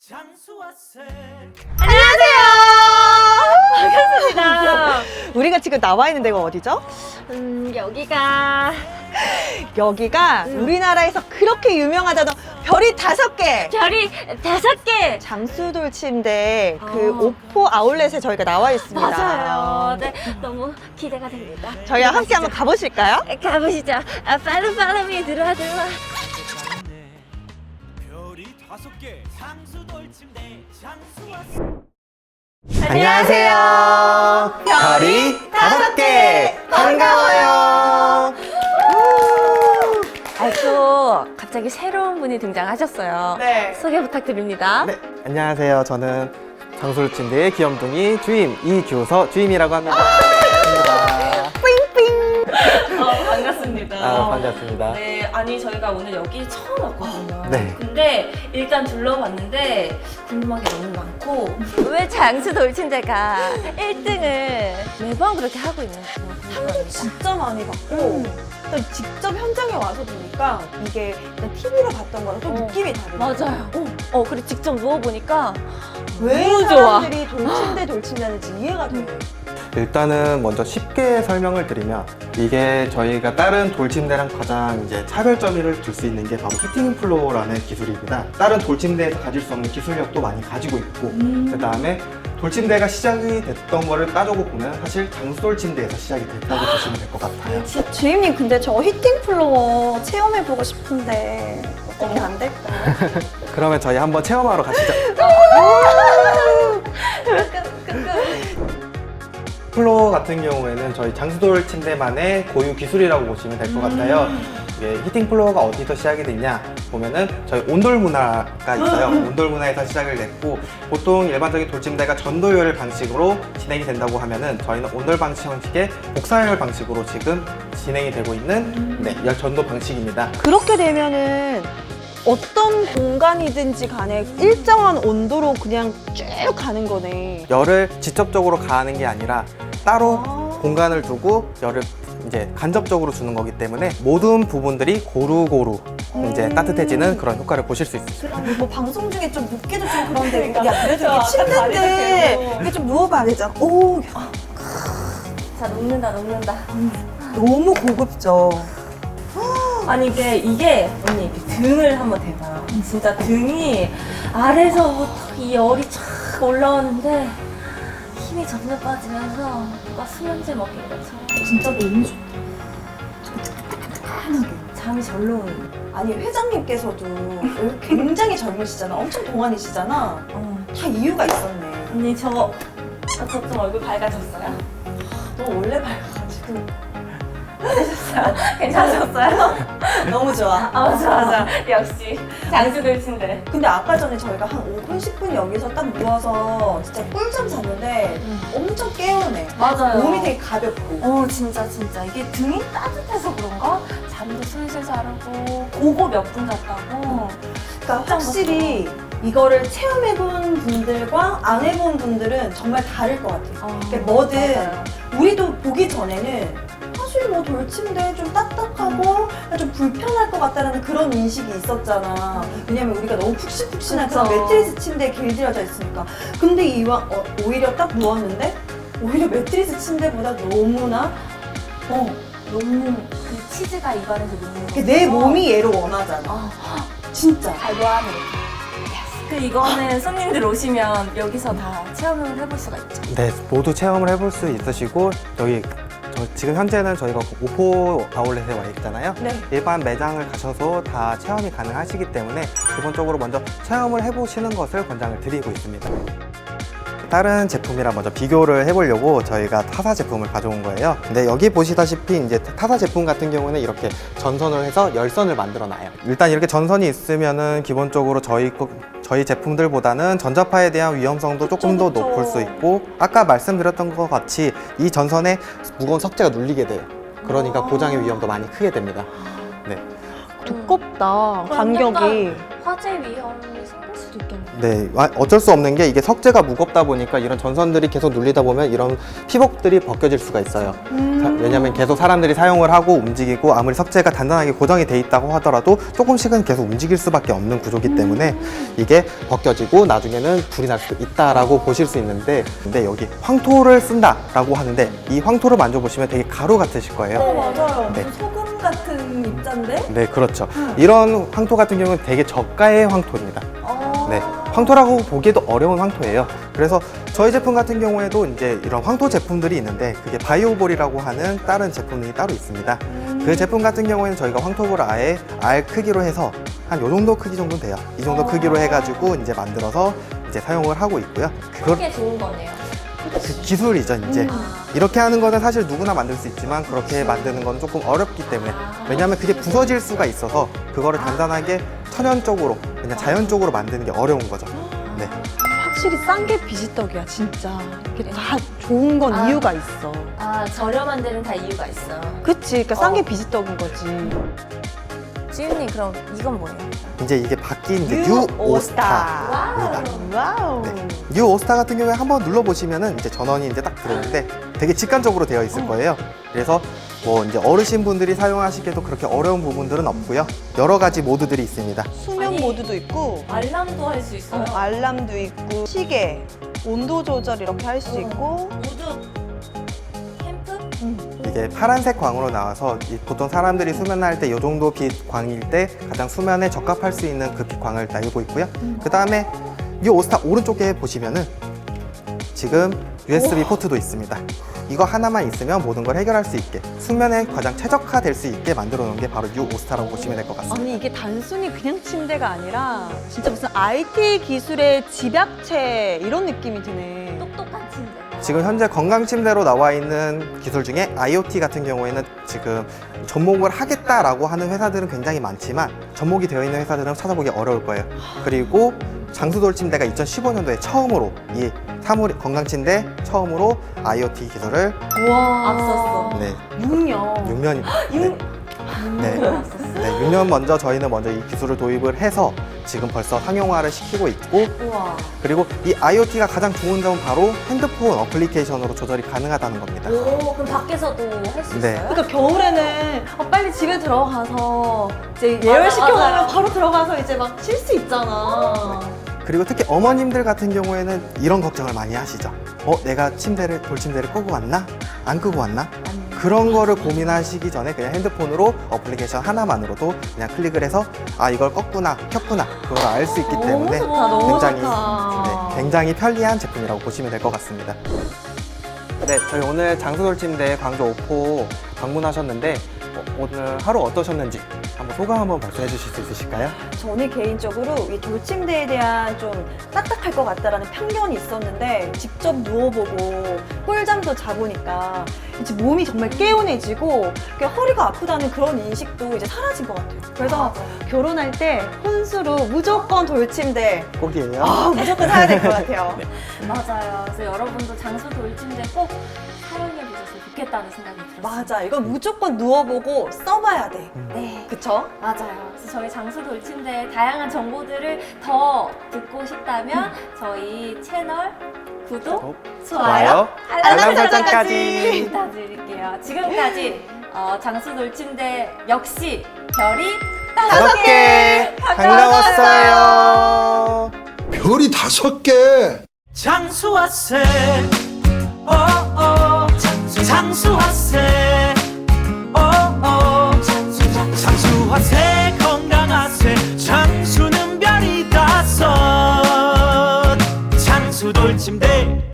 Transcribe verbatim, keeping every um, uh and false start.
안녕하세요. 반갑습니다. 우리가 지금 나와 있는 데가 어디죠? 음, 여기가 여기가 음. 우리나라에서 그렇게 유명하다던 별이 다섯 개 별이 다섯 개. 장수돌침대 그 아. 오포 아울렛에 저희가 나와 있습니다. 맞아요. 네, 너무 기대가 됩니다. 저희와 함께 한번 가보실까요? 가보시죠. 아, 팔로 팔로미 들어와 들어와. 별이 다섯 개 장수돌침대 장수 왔어. 안녕하세요. 별이 다섯 개 반가워요. 아, 또 갑자기 새로운 분이 등장하셨어요. 네. 소개 부탁드립니다. 네, 안녕하세요. 저는 장솔침대의 귀염둥이 주임 이규서 주임이라고 합니다. 반갑습니다. 어, 반갑습니다. 아, 반갑습니다. 네, 아니 저희가 오늘 여기 처음 왔거든요. 네. 근데 일단 둘러봤는데 궁금한 게 너무 많고 왜 장수 돌침대가 일 등을 매번 그렇게 하고 있는지 상도 진짜 많이 받고 일단 직접 현장에 와서 보니까 이게 일단 티비로 봤던 거랑 또 어. 느낌이 다르고 맞아요. 어, 어 그리고 직접 누워보니까 왜 너무 좋아. 사람들이 돌침대 돌침대하는지 이해가 돼. 일단은 먼저 쉽게 설명을 드리면 이게 저희가 다른 돌침대랑 가장 이제 차별점을 둘 수 있는 게 바로 히팅 플로어라는 기술입니다. 다른 돌침대에서 가질 수 없는 기술력도 많이 가지고 있고 그 다음에 돌침대가 시작이 됐던 거를 따져고 보면 사실 장수돌침대에서 시작이 됐다고 보시면 될 것 같아요. 주임님 근데 저 히팅 플로어 체험해보고 싶은데 어떻게 안 될까요? 그러면 저희 한번 체험하러 가시죠. 플로어 같은 경우에는 저희 장수돌 침대만의 고유 기술이라고 보시면 될 것 같아요. 이게 히팅 플로어가 어디서 시작이 됐냐 보면은 저희 온돌 문화가 있어요. 온돌 문화에서 시작을 냈고 보통 일반적인 돌침대가 전도열 방식으로 진행이 된다고 하면은 저희는 온돌 방식의 복사열 방식으로 지금 진행이 되고 있는 네, 열 전도 방식입니다. 그렇게 되면은 어떤 공간이든지 간에 일정한 온도로 그냥 쭉 가는 거네. 열을 직접적으로 가하는 게 아니라 따로 아. 공간을 두고 열을 이제 간접적으로 주는 거기 때문에 모든 부분들이 고루고루 이제 따뜻해지는 그런 효과를 보실 수 있어요. 뭐 방송 중에 좀 눕기도 좀 그런데 야 그래도 저 이게 침대인데 아까 이게 좀 누워봐야 되잖아. 오 자 녹는다 녹는다. 너무 고급져. 아니 이게 이게 언니 이렇게 등을 한번 대봐. 진짜 등이 아래서부터 이 열이 촥 올라오는데 힘이 점점 빠지면서 누가 수면제 먹인 것처럼 진짜 너무 좋다. 잠이 절로 오는. 아니 회장님께서도 굉장히 젊으시잖아. 엄청 동안이시잖아. 어. 다 이유가 있었네. 언니 저 저 좀 얼굴 밝아졌어요? 너 원래 밝아가지고. 괜찮으셨어요? 너무 좋아. 아 좋아 좋아. 역시 장수 돌침대. 근데 아까 전에 저희가 한 오 분, 십 분 여기서 딱 누워서 진짜 꿀잠 잤는데 엄청 깨우네. 맞아요. 몸이 되게 가볍고. 어 진짜 진짜 이게 등이 따뜻해서 그런가? 잠도 슬슬 자르고 고고 몇 분 잤다고. 그러니까 확실히 이거를 체험해본 분들과 안 해본 분들은 정말 다를 것 같아요. 어, 그러니까 뭐든 맞아요. 우리도 보기 전에는 사실 뭐 돌침대 좀 딱딱하고 좀 불편할 것 같다는 그런 인식이 있었잖아. 왜냐면 우리가 너무 푹신푹신한 그런 그쵸. 매트리스 침대에 길들여져 있으니까. 근데 이왕 어, 오히려 딱 누웠는데 오히려 매트리스 침대보다 너무나 어, 녹는 그 치즈가 입안에서 녹는 거. 내 몸이 얘를 원하잖아. 어, 진짜. 발로하는. 그 이거는 손님들 오시면 여기서 다 체험을 해볼 수가 있죠. 네, 모두 체험을 해볼 수 있으시고 여기 저 지금 현재는 저희가 오포 아울렛에 와 있잖아요. 네. 일반 매장을 가셔서 다 체험이 가능하시기 때문에 기본적으로 먼저 체험을 해보시는 것을 권장을 드리고 있습니다. 다른 제품이랑 먼저 비교를 해보려고 저희가 타사 제품을 가져온 거예요. 근데 여기 보시다시피 이제 타사 제품 같은 경우는 이렇게 전선을 해서 열선을 만들어 놔요. 일단 이렇게 전선이 있으면은 기본적으로 저희 거- 저희 제품들보다는 전자파에 대한 위험성도 조금 더 그쵸, 그쵸. 높을 수 있고 아까 말씀드렸던 것 같이 이 전선에 무거운 석재가 눌리게 돼요. 그러니까 아. 고장의 위험도 많이 크게 됩니다. 네. 두껍다. 간격이. 화재 위험이 생길 수도 있겠네요. 네, 와- 어쩔 수 없는 게 이게 석재가 무겁다 보니까 이런 전선들이 계속 눌리다 보면 이런 피복들이 벗겨질 수가 있어요. 자, 왜냐면 계속 사람들이 사용을 하고 움직이고 아무리 석재가 단단하게 고정이 돼 있다고 하더라도 조금씩은 계속 움직일 수밖에 없는 구조기 때문에 이게 벗겨지고 나중에는 불이 날 수도 있다라고 보실 수 있는데, 근데 여기 황토를 쓴다라고 하는데 이 황토를 만져보시면 되게 가루 같으실 거예요. 어, 맞아요. 네. 무슨 소금 같은 입자인데? 네, 그렇죠. 이런 황토 같은 경우는 되게 저가의 황토입니다. 어. 네, 황토라고 보기에도 어려운 황토예요. 그래서 저희 제품 같은 경우에도 이제 이런 황토 제품들이 있는데 그게 바이오볼이라고 하는 다른 제품이 따로 있습니다. 그 제품 같은 경우에는 저희가 황토볼을 아예 알 크기로 해서 한 요 정도 크기 정도 돼요. 이 정도 크기로 해가지고 이제 만들어서 이제 사용을 하고 있고요. 그걸 그게 좋은 거네요. 그 기술이죠, 이제. 아. 이렇게 하는 거는 사실 누구나 만들 수 있지만 그렇게 만드는 건 조금 어렵기 때문에, 왜냐하면 그게 부서질 수가 있어서 그거를 단단하게 천연적으로 그냥 자연적으로 만드는 게 어려운 거죠. 네. 확실히 싼 게 비지떡이야, 진짜. 이게 다 좋은 건 아. 이유가 있어. 아, 저렴한 데는 다 이유가 있어. 그치? 그러니까 싼 게 어. 비지떡인 거지. 지윤님, 그럼 이건 뭐예요? 이제 이게 바뀐 이제 뉴 오스타. 와우. 와우. 네. 뉴 오스타 같은 경우에 한번 눌러보시면은 이제 전원이 이제 딱 들어오는데 되게 직관적으로 되어 있을 거예요. 그래서 뭐 이제 어르신 분들이 사용하시기에도 그렇게 어려운 부분들은 없고요. 여러 가지 모드들이 있습니다. 수면 아니. 모드도 있고, 알람도 할 수 있어요. 어, 알람도 있고, 시계, 온도 조절 이렇게 할 수 있고. 모두 캠프? 이게 파란색 광으로 나와서 이 보통 사람들이 수면할 때 이 정도 빛 광일 때 가장 수면에 적합할 수 있는 그 빛광을 날고 있고요. 그 다음에 이 오스타 오른쪽에 보시면은 지금 유에스비 포트도 있습니다. 이거 하나만 있으면 모든 걸 해결할 수 있게, 수면에 가장 최적화될 수 있게 만들어 놓은 게 바로 이 오스타라고 보시면 될 것 같습니다. 아니, 이게 단순히 그냥 침대가 아니라 진짜 무슨 아이티 기술의 집약체 이런 느낌이 드네. 똑똑한 침대. 지금 현재 건강 침대로 나와 있는 기술 중에 아이오티 같은 경우에는 지금 접목을 하겠다라고 하는 회사들은 굉장히 많지만 접목이 되어 있는 회사들은 찾아보기 어려울 거예요. 그리고 장수돌 침대가 이천십오 년도에 처음으로 이 사물 건강 침대 처음으로 아이오티 기술을 와. 앞섰어. 네, 육 년. 육 년입니다. 네. 네. 네, 육 년 먼저 저희는 먼저 이 기술을 도입을 해서 지금 벌써 상용화를 시키고 있고, 우와. 그리고 이 아이오티가 가장 좋은 점은 바로 핸드폰 어플리케이션으로 조절이 가능하다는 겁니다. 오, 그럼 밖에서도 할 수 네. 있어요? 그러니까 겨울에는 어, 빨리 집에 들어가서 이제 맞아, 예열시켜놓으면 맞아요. 바로 들어가서 이제 막 쉴 수 있잖아. 그리고 특히 어머님들 같은 경우에는 이런 걱정을 많이 하시죠. 어, 내가 침대를, 돌침대를 끄고 왔나? 안 끄고 왔나? 그런 거를 고민하시기 전에 그냥 핸드폰으로 어플리케이션 하나만으로도 그냥 클릭을 해서 아, 이걸 껐구나, 켰구나, 그걸 알 수 있기 때문에 너무 좋다, 너무 굉장히, 좋다. 네, 굉장히 편리한 제품이라고 보시면 될 것 같습니다. 네, 저희 오늘 장수돌침대 광주 오포 방문하셨는데 어, 오늘 하루 어떠셨는지 한번 소감 한번 말씀해 주실 수 있으실까요? 저는 개인적으로 이 돌침대에 대한 좀 딱딱할 것 같다라는 편견이 있었는데 직접 누워보고 꿀잠도 자보니까 이제 몸이 정말 개운해지고 그냥 허리가 아프다는 그런 인식도 이제 사라진 것 같아요. 그래서 결혼할 때 혼수로 무조건 돌침대 꼭이에요. 아, 무조건 사야 될 것 같아요. 맞아요. 그래서 여러분도 장수 돌침대 꼭 사용해 보셨으면 좋겠다는 생각이 들었어요. 맞아, 이건 무조건 누워보고 써봐야 돼. 네. 그쵸? 맞아요. 그래서 저희 장수 돌침대의 다양한 정보들을 더 듣고 싶다면 저희 채널 구독, 좋아요, 알람 설정까지. 부탁드릴게요. 지금까지 어, 장수 돌침대 역시 별이 다섯 다섯 개 개 반가웠어요. 별이 다섯 개. 장수하세 어어 장수 장수하세 어어 장수 장수하세 건강하세 장수는 별이 다섯 장수 돌침대